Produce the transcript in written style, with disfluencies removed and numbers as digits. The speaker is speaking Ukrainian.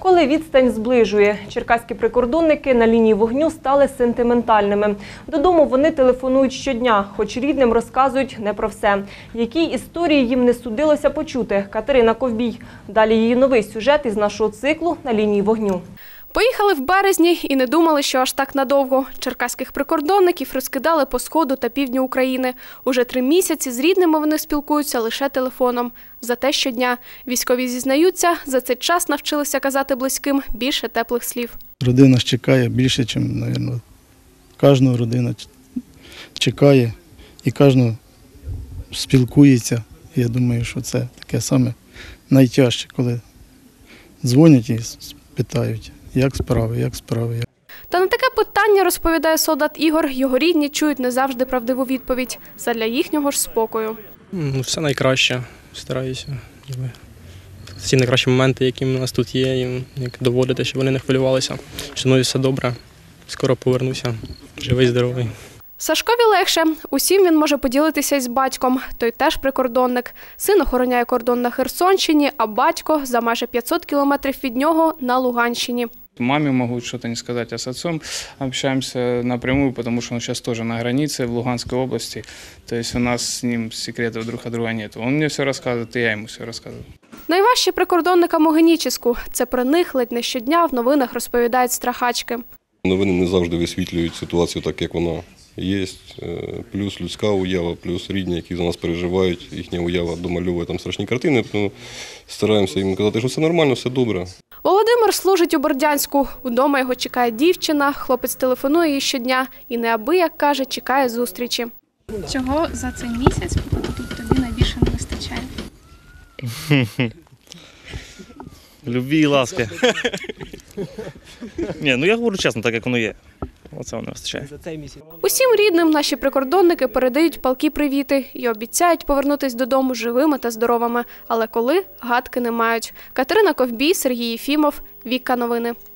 Коли відстань зближує, черкаські прикордонники на лінії вогню стали сентиментальними. Додому вони телефонують щодня, хоч рідним розказують не про все. Які історії їм не судилося почути – Катерина Ковбій. Далі її новий сюжет із нашого циклу «На лінії вогню». Поїхали в березні і не думали, що аж так надовго. Черкаських прикордонників розкидали по сходу та півдню України. Уже 3 місяці з рідними вони спілкуються лише телефоном. Зате щодня. Військові зізнаються, за цей час навчилися казати близьким більше теплих слів. Родина ж чекає більше, ніж, мабуть, кожна родина чекає і кожна спілкується. Я думаю, що це таке саме найтяжче, коли дзвонять і питають, як справи. Та на таке питання, розповідає солдат Ігор, його рідні чують не завжди правдиву відповідь. Задля їхнього ж спокою. Все найкраще. Стараюся. Всі найкращі моменти, які в нас тут є, їм доводити, щоб вони не хвилювалися. Що мною все добре. Скоро повернуся. Живий, здоровий. Сашкові легше. Усім він може поділитися із батьком. Той теж прикордонник. Син охороняє кордон на Херсонщині, а батько за майже 500 кілометрів від нього на Луганщині. Маме могу что-то не сказать, а с отцом общаемся напрямую, потому что он сейчас тоже на границе в Луганской области. То есть у нас с ним секретов друг от друга нет. Он мне все рассказывает, и я ему все рассказываю. Найважче прикордонникам у Генічеську. Це про них ледь не щодня в новинах розповідають страхачки. Новини не завжди висвітлюють ситуацію так, як вона є. Плюс людська уява, плюс рідні, які за нас переживають. Їхня уява домальовує там страшні картини. Тому стараємося їм казати, що все нормально, все добре. Володимир служить у Бердянську. Удома його чекає дівчина, хлопець телефонує їй щодня і неабияк, каже, чекає зустрічі. Чого за цей місяць тобі найбільше не вистачає? Любві і ласки. Я говорю чесно, так як воно є. Оце воно вистачає. Усім рідним наші прикордонники передають палкі привіти і обіцяють повернутись додому живими та здоровими. Але коли – гадки не мають. Катерина Ковбій, Сергій Єфімов, Віка Новини.